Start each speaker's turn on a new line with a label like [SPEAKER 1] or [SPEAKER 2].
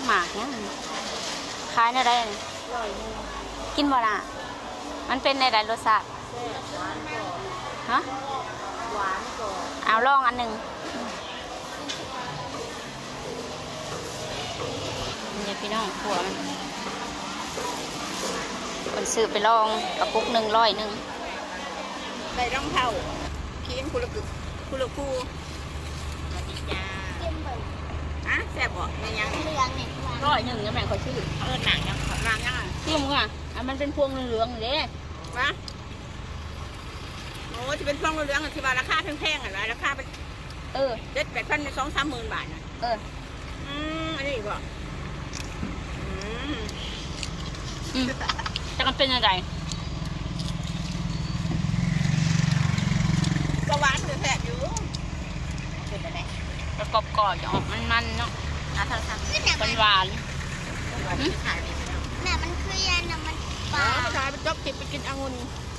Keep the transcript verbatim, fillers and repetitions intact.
[SPEAKER 1] หมากเนี่ยขายได้ได้กินบ่ล่ะมันเป็นในใดรสชาติฮะหวานก่อนเอาลองอันหนึ่งนี่พี่น้องขัวมันคนซื้อไปลองกระปุกหนึ่งร้อยหนึ่งได้รองเท้าคีนคุละกึกคุละคูสวัสดีจ้าฮะแซ่บบ่ในยังเรื่องนี่ร้อยหนึ่งยังแบ่งคอยซื้อเออหนังยังหนังยังอ่ะที่มึงอ่ะอ่ะมันเป็นพวงเหลืองๆเด้วะโอ้จะเป็นพวงเหลืองๆที่ว่าราคาแพงๆอ่ะราคาเป็นเออเจ็ดแปดพันในสองสามหมื่นบาทนะเอออืมอันนี้บ่อืมอืมจะกันเป็นยังไงก็หวานหรือแสบอยู่เป็นอะไรกระกอบก่อนออกมันๆเนาะอ่ะทางทางเป็นหวานแม่มันคือยันนะมันปลาขายไปจบติดไปกินองุ่น